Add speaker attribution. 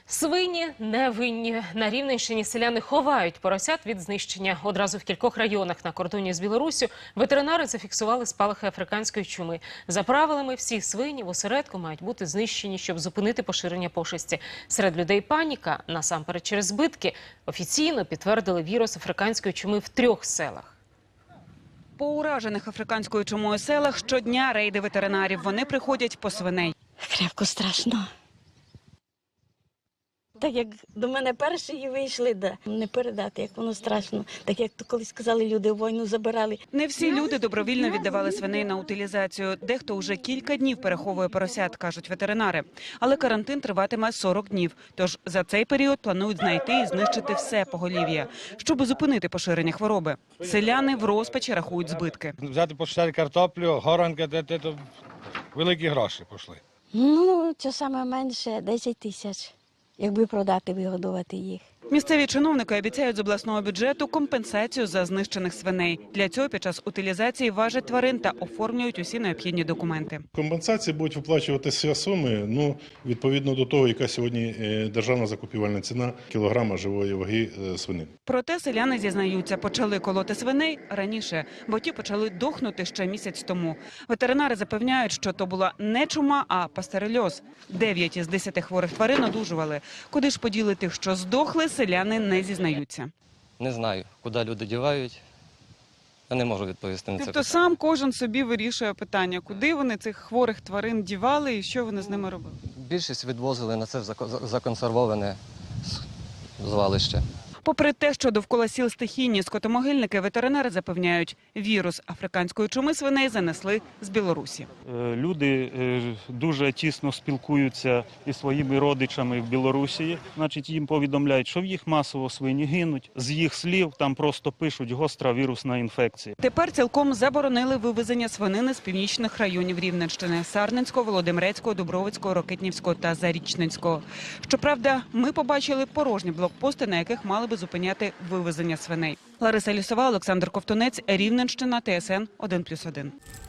Speaker 1: Свині не винні. На Рівненщині селяни ховають поросят від знищення. Одразу в кількох районах на кордоні з Білоруссю ветеринари зафіксували спалахи африканської чуми. За правилами, всі свині в осередку мають бути знищені, щоб зупинити поширення пошесті. Серед людей паніка, насамперед через збитки. Офіційно підтвердили вірус африканської чуми в 3 селах.
Speaker 2: По уражених африканською чумою селах щодня рейди ветеринарів. Вони приходять по свиней.
Speaker 3: Крепко страшно. Так як до мене перші вийшли, не передати, як воно страшно. Так як то колись казали, люди війну забирали.
Speaker 2: Не всі люди добровільно віддавали свиней на утилізацію. Дехто вже кілька днів переховує поросят, кажуть ветеринари. Але карантин триватиме 40 днів. Тож за цей період планують знайти і знищити все поголів'я, щоб зупинити поширення хвороби. Селяни в розпачі рахують збитки.
Speaker 4: Взяти посчитати картоплю, горанки, то великі гроші пішли.
Speaker 3: Ну, це саме менше 10 тисяч, якби продати, вигодувати їх.
Speaker 2: Місцеві чиновники обіцяють з обласного бюджету компенсацію за знищених свиней. Для цього під час утилізації важать тварин та оформлюють усі необхідні документи.
Speaker 5: Компенсації будуть виплачуватися суми, відповідно до того, яка сьогодні державна закупівельна ціна кілограма живої ваги свинини.
Speaker 2: Проте селяни зізнаються, почали колоти свиней раніше, бо ті почали дохнути ще місяць тому. Ветеринари запевняють, що то була не чума, а пастерельоз. 9 із 10 хворих тварин одужували. Куди ж поділи тих, що здохли, селяни не зізнаються.
Speaker 6: Не знаю, куди люди дівають. Я не можу відповісти на це
Speaker 2: Тобто
Speaker 6: питання.
Speaker 2: сам кожен собі вирішує питання, куди вони цих хворих тварин дівали і що вони з ними робили?
Speaker 6: Більшість відвозили на це законсервоване звалище.
Speaker 2: Попри те, що довкола сіл стихійні скотомогильники, ветеринари запевняють, вірус африканської чуми свиней занесли з Білорусі.
Speaker 7: Люди дуже тісно спілкуються із своїми родичами в Білорусі. Значить, їм повідомляють, що в їх масово свині гинуть. З їх слів там просто пишуть гостра вірусна інфекція.
Speaker 2: Тепер цілком заборонили вивезення свинини з північних районів Рівненщини – Сарненського, Володимирецького, Дубровицького, Рокитнівського та Зарічненського. Щоправда, ми побачили порожні блокпости, на яких мали би зупиняти вивезення свиней. Лариса Лісова, Олександр Ковтунець, Рівненщина, ТСН 1+1.